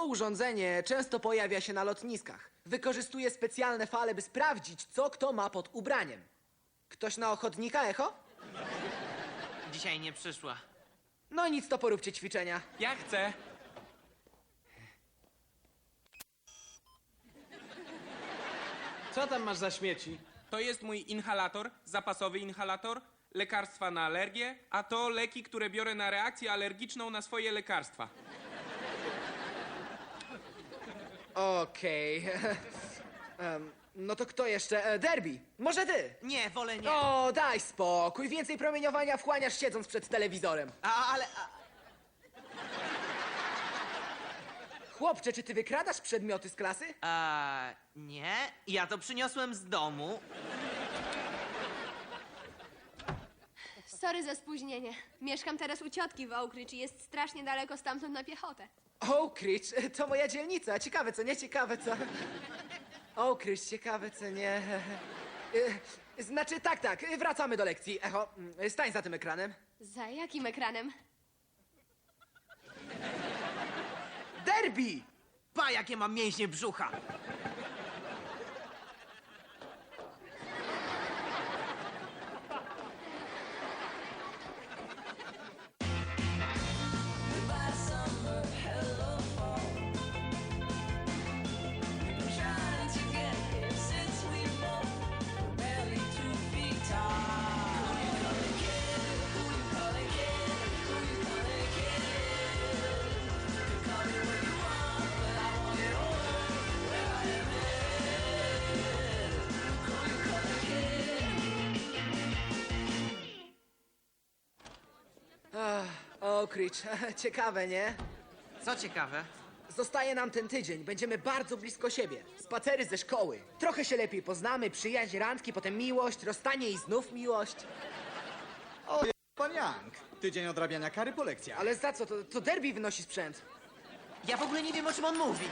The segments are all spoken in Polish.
To urządzenie często pojawia się na lotniskach. Wykorzystuje specjalne fale, by sprawdzić, co kto ma pod ubraniem. Ktoś na ochotnika, Echo? Dzisiaj nie przyszła. No nic, to poróbcie ćwiczenia. Ja chcę. Co tam masz za śmieci? To jest mój inhalator, zapasowy inhalator, lekarstwa na alergię, a to leki, które biorę na reakcję alergiczną na swoje lekarstwa. Okej. No to kto jeszcze? Derby, może ty? Nie, wolę nie. O, daj spokój. Więcej promieniowania wchłaniasz siedząc przed telewizorem. Ale... Chłopcze, czy ty wykradasz przedmioty z klasy? Nie. Ja to przyniosłem z domu. Sorry za spóźnienie. Mieszkam teraz u ciotki w Oak Ridge i jest strasznie daleko stamtąd na piechotę. Oak Ridge, to moja dzielnica. Ciekawe co nie, ciekawe co... Oak Ridge, ciekawe co nie... Znaczy, tak, wracamy do lekcji. Echo, stań za tym ekranem. Za jakim ekranem? Derby! Pa, jakie mam mięśnie brzucha. Oak Ridge, ciekawe, nie? Co ciekawe. Zostaje nam ten tydzień, będziemy bardzo blisko siebie. Spacery ze szkoły. Trochę się lepiej poznamy, przyjaźń, randki, potem miłość, rozstanie i znów miłość. Pan Young. Tydzień odrabiania kary po lekcjach. Ale za co? To Derby wynosi sprzęt. Ja w ogóle nie wiem, o czym on mówi.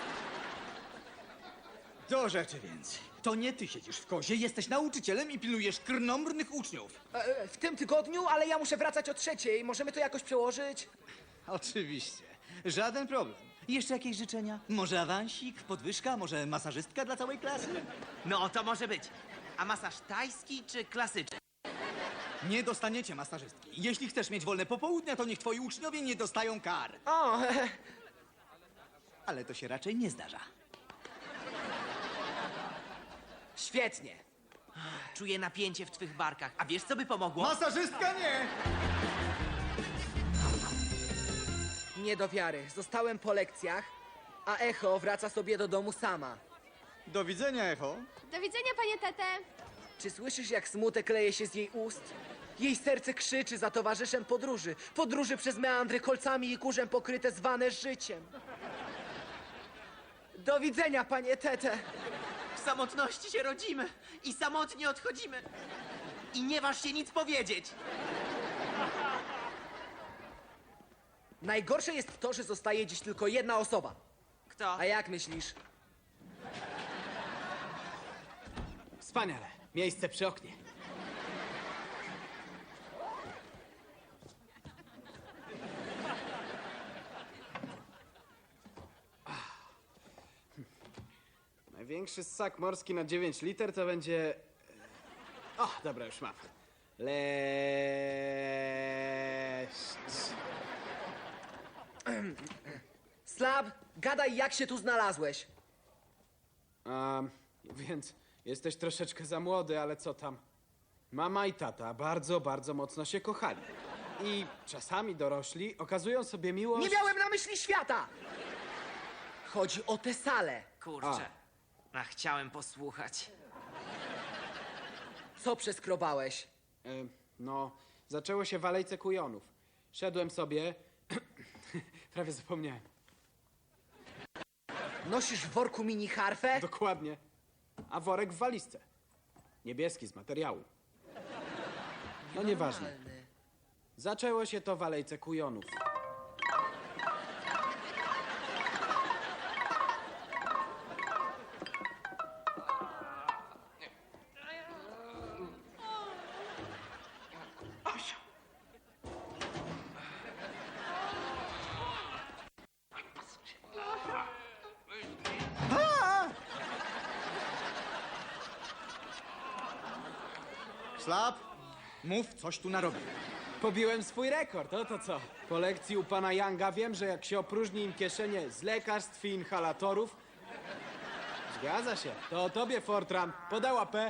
Do rzeczy więc. To nie ty siedzisz w kozie, jesteś nauczycielem i pilnujesz krnąbrnych uczniów. W tym tygodniu, ale ja muszę wracać o 3:00. Możemy to jakoś przełożyć? Oczywiście. Żaden problem. Jeszcze jakieś życzenia? Może awansik, podwyżka, może masażystka dla całej klasy? No, to może być. A masaż tajski czy klasyczny? Nie dostaniecie masażystki. Jeśli chcesz mieć wolne popołudnia, to niech twoi uczniowie nie dostają kar. O, Ale to się raczej nie zdarza. świetnie. Czuję napięcie w twych barkach. A wiesz, co by pomogło? Masażystka nie! Nie do wiary. Zostałem po lekcjach, a Echo wraca sobie do domu sama. Do widzenia, Echo. Do widzenia, panie Tete. Czy słyszysz, jak smutek leje się z jej ust? Jej serce krzyczy za towarzyszem podróży. Podróży przez meandry kolcami i kurzem pokryte zwane życiem. Do widzenia, panie Tete. W samotności się rodzimy i samotnie odchodzimy. I nie waż się nic powiedzieć. Najgorsze jest to, że zostaje dziś tylko jedna osoba. Kto? A jak myślisz? Wspaniale. Miejsce przy oknie. Największy ssak morski na 9 liter to będzie... O, dobra, już mam. Leszcz. Slab, gadaj, jak się tu znalazłeś. Więc jesteś troszeczkę za młody, ale co tam? Mama i tata bardzo, bardzo mocno się kochali. I czasami dorośli okazują sobie miłość... Nie miałem na myśli świata! Chodzi o tę salę. Kurczę. A chciałem posłuchać. Co przeskrobałeś? No, zaczęło się w alejce kujonów. Szedłem sobie... Prawie zapomniałem. Nosisz w worku mini harfę? Dokładnie. A worek w walizce. Niebieski z materiału. No nieważne. Zaczęło się to w alejce kujonów. Slap, mów, coś tu narobił. Pobiłem swój rekord, to co? Po lekcji u pana Younga wiem, że jak się opróżni im kieszenie z lekarstw i inhalatorów... Zgadza się. To o tobie, Fortran. Podała P.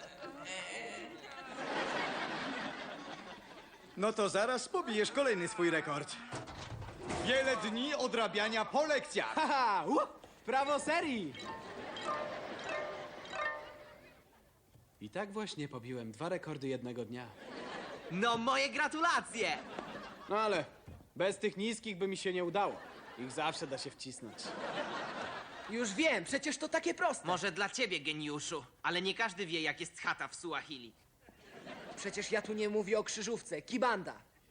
No to zaraz pobijesz kolejny swój rekord. Wiele dni odrabiania po lekcjach. Haha! Prawo serii! I tak właśnie pobiłem 2 rekordy jednego dnia. No, moje gratulacje! No ale bez tych niskich by mi się nie udało. Ich zawsze da się wcisnąć. Już wiem, przecież to takie proste. Może dla ciebie, geniuszu, ale nie każdy wie, jak jest chata w Suahili. Przecież ja tu nie mówię o krzyżówce, kibanda.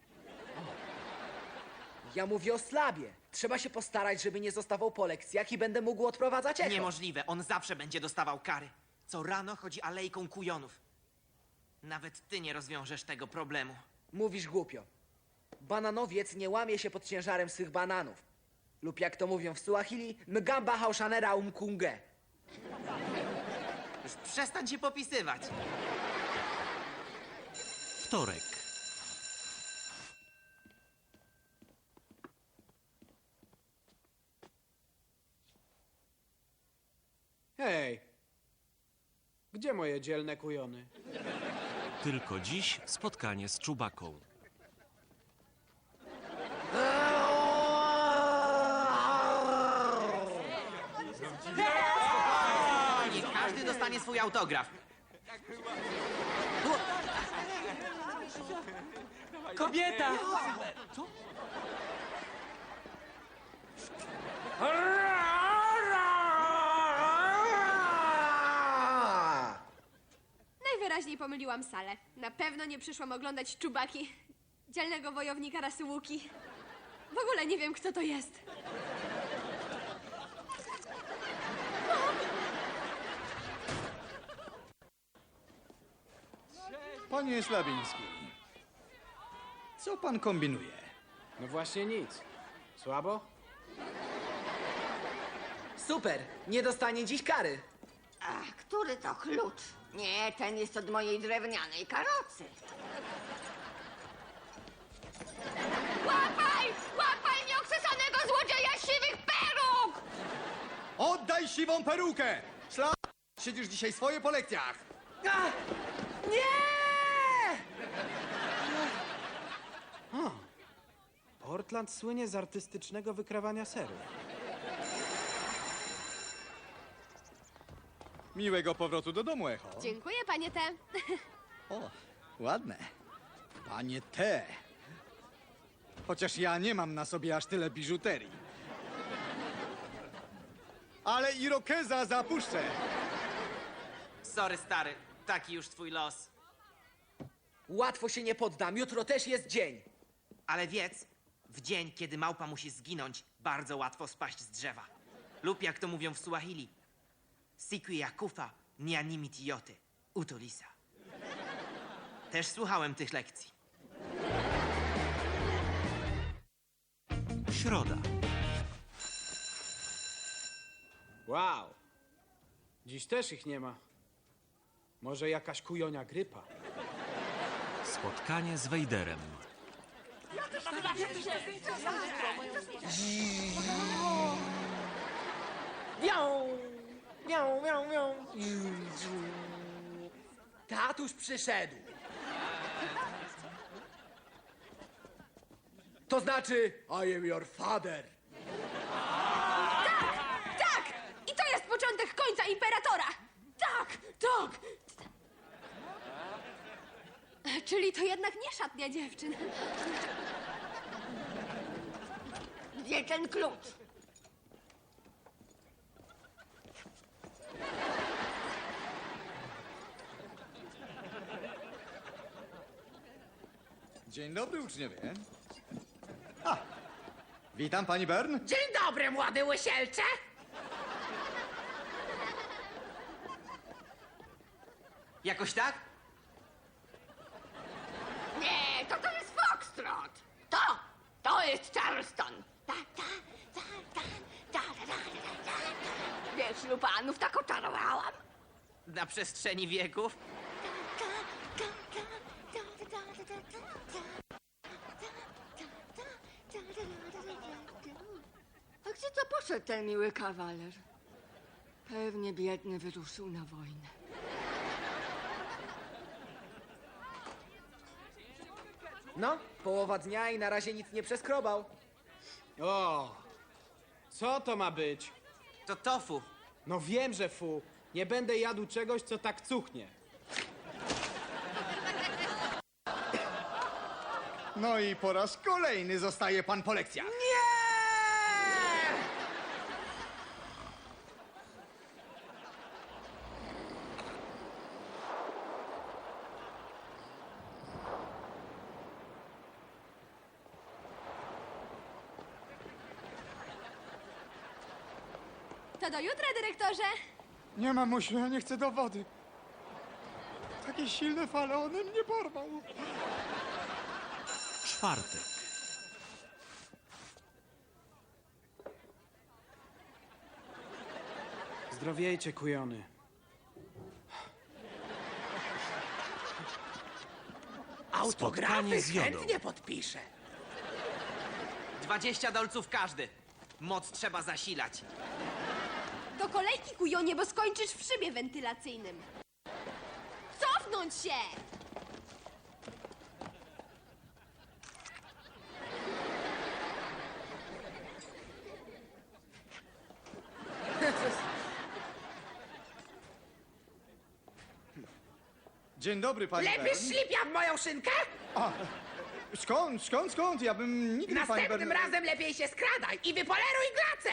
Ja mówię o slabie. Trzeba się postarać, żeby nie zostawał po lekcjach i będę mógł odprowadzać echo. Niemożliwe, on zawsze będzie dostawał kary. Co rano chodzi alejką kujonów. Nawet ty nie rozwiążesz tego problemu. Mówisz głupio. Bananowiec nie łamie się pod ciężarem swych bananów. Lub jak to mówią w Suahili, mgamba haushanera umkunge. Już przestań się popisywać. Wtorek. Hej! Gdzie moje dzielne kujony? Tylko dziś spotkanie z Czubaką. Niech każdy dostanie swój autograf. Kobieta! Najwyraźniej pomyliłam salę. Na pewno nie przyszłam oglądać Czubaki, dzielnego wojownika rasy Łuki. W ogóle nie wiem, kto to jest. Panie Slabiński, co pan kombinuje? No właśnie nic. Słabo? Super, nie dostanie dziś kary. Ach, który to klucz? Nie, ten jest od mojej drewnianej karocy. Łapaj! Łapaj nieokrzesanego złodzieja siwych peruk! Oddaj siwą perukę! Slap, siedzisz dzisiaj swoje po lekcjach. A! Nie! Portland słynie z artystycznego wykrawania serów. Miłego powrotu do domu, Echo. Dziękuję, panie T. O, ładne. Panie T. Chociaż ja nie mam na sobie aż tyle biżuterii. Ale irokeza zapuszczę. Sorry, stary, taki już twój los. Łatwo się nie poddam, jutro też jest dzień. Ale wiedz, w dzień, kiedy małpa musi zginąć, bardzo łatwo spaść z drzewa. Lub jak to mówią w Suahili, siku ya kufa ni animiti yote, utolisa. Też słuchałem tych lekcji. Środa. Wow! Dziś też ich nie ma. Może jakaś kujonia grypa? Spotkanie z Wejderem. Miau! Miau, miau, miau. Tatuś przyszedł. To znaczy, I am your father. Tak! I to jest początek końca Imperatora! Tak! Tak! Czyli to jednak nie szatnia dziewczyn. Gdzie ten klucz? Dzień dobry, uczniowie. A, witam, pani Bern. Dzień dobry, młody łysielcze! Jakoś tak? Nie, to jest Foxtrot! To jest Charleston! Wiesz, lupanów tak oczarowałam. Na przestrzeni wieków? Gdzie to poszedł ten miły kawaler? Pewnie biedny wyruszył na wojnę. No, połowa dnia i na razie nic nie przeskrobał. O, co to ma być? To tofu. No wiem, że fu. Nie będę jadł czegoś, co tak cuchnie. No i po raz kolejny zostaje pan po lekcjach. To do jutra, dyrektorze. Nie, mamusiu, ja nie chcę do wody. Takie silne fale, one mnie porwał. Czwartek. Zdrowiejcie, kujony. Spotkanie z Jodą. chętnie podpiszę. 20 dolców każdy. Moc trzeba zasilać. Do kolejki, kujonie, bo skończysz w szybie wentylacyjnym. Cofnąć się! Dzień dobry, pani Lepiej Bern. ślipia w moją szynkę? Skąd? Ja bym nigdy, pani Następnym Bern... razem lepiej się skradaj i wypoleruj glacę!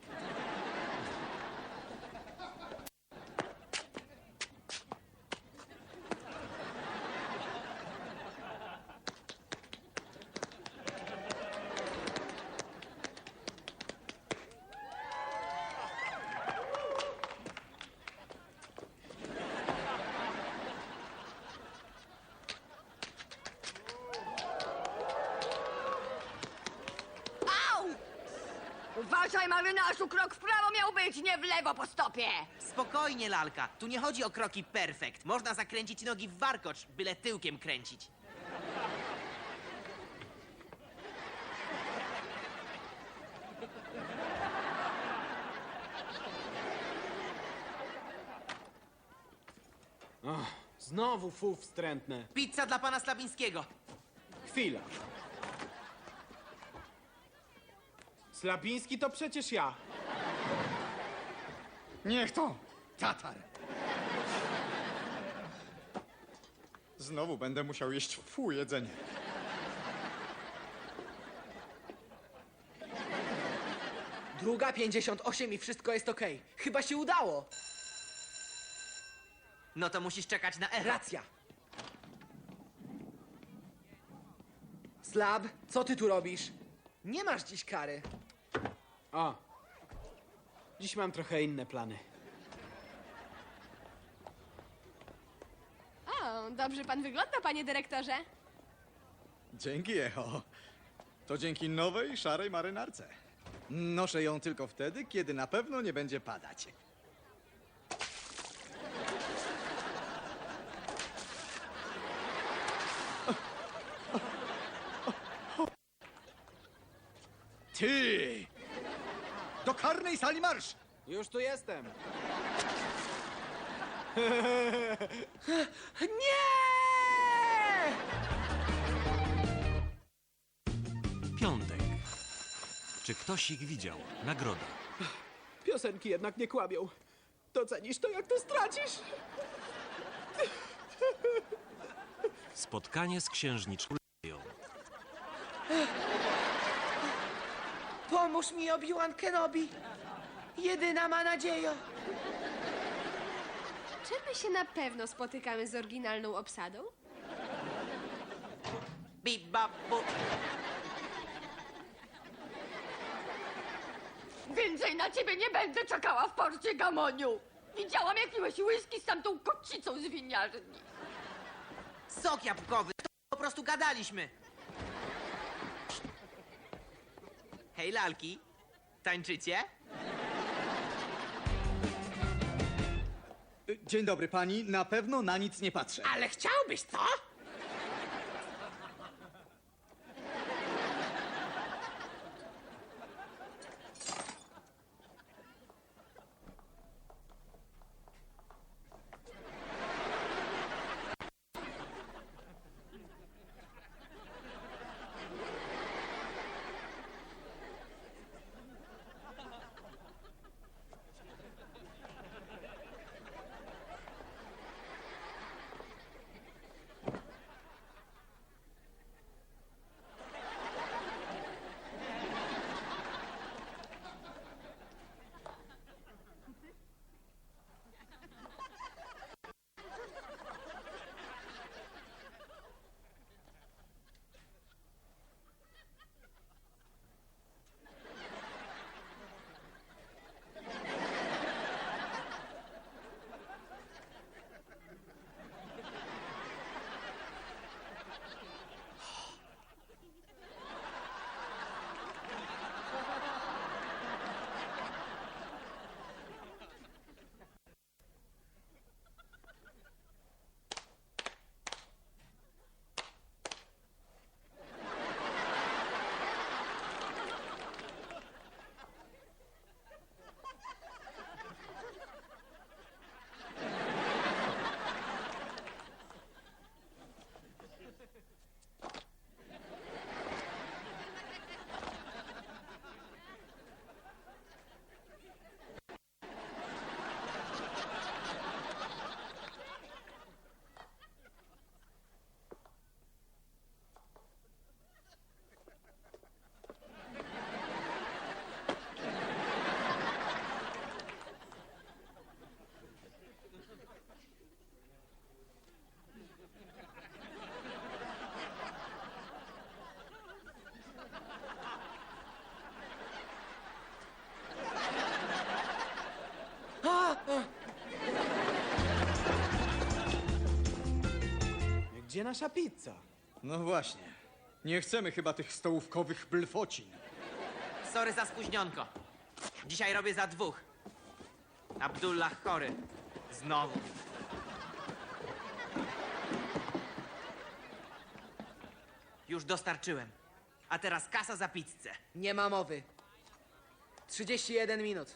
Au! Uważaj, marynarzu, krok w prawo miał być, nie w lewo po stopie. Spokojnie, lalka. Tu nie chodzi o kroki perfekt. Można zakręcić nogi w warkocz, byle tyłkiem kręcić. Znowu fu wstrętne. Pizza dla pana Slabińskiego. Chwila. Slabiński to przecież ja. Niech to! Tatar! Znowu będę musiał jeść jedzenie. Druga 58 i wszystko jest okej. Chyba się udało. No to musisz czekać na echo. Racja. Slab, co ty tu robisz? Nie masz dziś kary. O. Dziś mam trochę inne plany. O, dobrze pan wygląda, panie dyrektorze. Dzięki, Echo. To dzięki nowej, szarej marynarce. Noszę ją tylko wtedy, kiedy na pewno nie będzie padać. Ty! Do karnej sali marsz! Już tu jestem. Nie! Piątek. Czy ktoś ich widział? Nagroda. Piosenki jednak nie kłamią. Docenisz to, jak to stracisz? Spotkanie z księżniczką Leją. Pomóż mi, Obi-Wan Kenobi. Jedyna ma nadzieję. Czy my się na pewno spotykamy z oryginalną obsadą? Bip, bap, bu. Więcej na ciebie nie będę czekała w porcie, Gamoniu. Widziałam, jak piłeś whisky z tamtą kocicą z winiarni. Sok jabłkowy. To po prostu gadaliśmy. Hej, lalki. Tańczycie? Dzień dobry, pani. Na pewno na nic nie patrzę. Ale chciałbyś, co? gdzie nasza pizza? No właśnie. Nie chcemy chyba tych stołówkowych blfocin. Sorry za spóźnionko. Dzisiaj robię za 2. Abdullah chory. Znowu. Już dostarczyłem. A teraz kasa za pizzę. Nie ma mowy. 31 minut.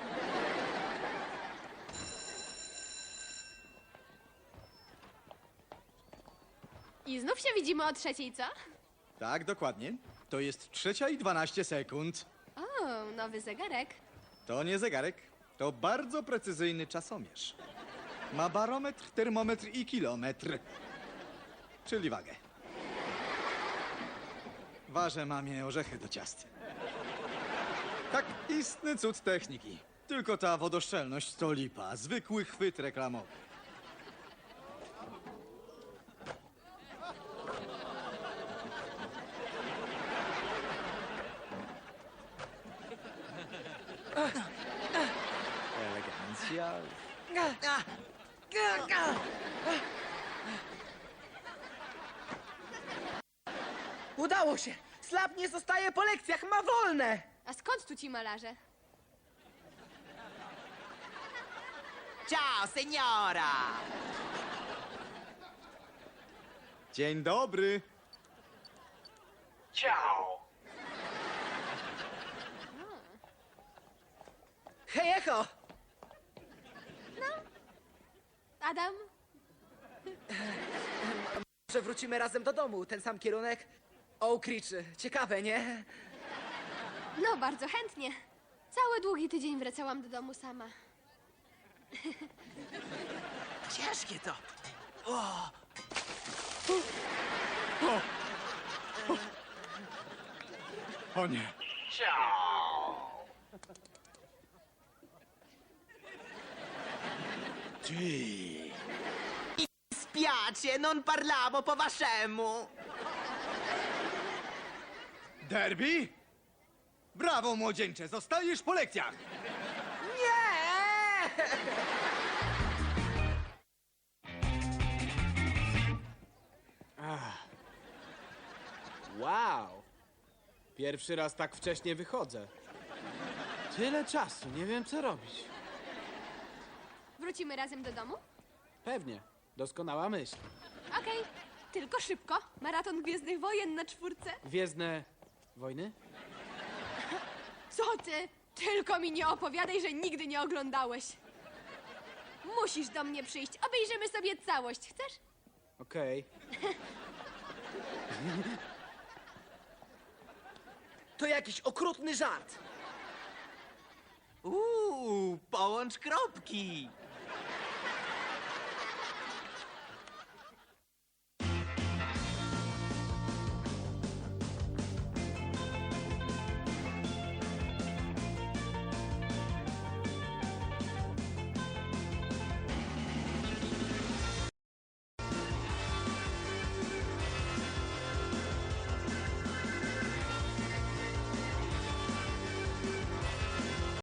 I znów się widzimy o 3:00, co? Tak, dokładnie. To jest 3:12. O, nowy zegarek. To nie zegarek, to bardzo precyzyjny czasomierz. Ma barometr, termometr i kilometr. Czyli wagę. Ważę mamie orzechy do ciast. Tak, istny cud techniki. Tylko ta wodoszczelność to lipa, zwykły chwyt reklamowy. Elegancja. Udało się! Slap nie zostaje po lekcjach, ma wolne! A skąd tu ci malarze? Ciao, seniora! Dzień dobry. Hej, Echo! Adam? Że wrócimy razem do domu, ten sam kierunek. Oak Ridge, ciekawe, nie? No, bardzo chętnie. Cały długi tydzień wracałam do domu sama. Ciężkie to. O nie. Ty. Spiacie, non parlavo po waszemu. Derby? Brawo, młodzieńcze, zostajesz po lekcjach. Nie! Wow! Pierwszy raz tak wcześnie wychodzę. Tyle czasu, nie wiem co robić. Wrócimy razem do domu? Pewnie, doskonała myśl. Okej, tylko szybko. Maraton Gwiezdnych Wojen na 4. Gwiezdne wojny? Co ty? Tylko mi nie opowiadaj, że nigdy nie oglądałeś. Musisz do mnie przyjść. Obejrzymy sobie całość. Chcesz? Okej. To jakiś okrutny żart. Połącz kropki.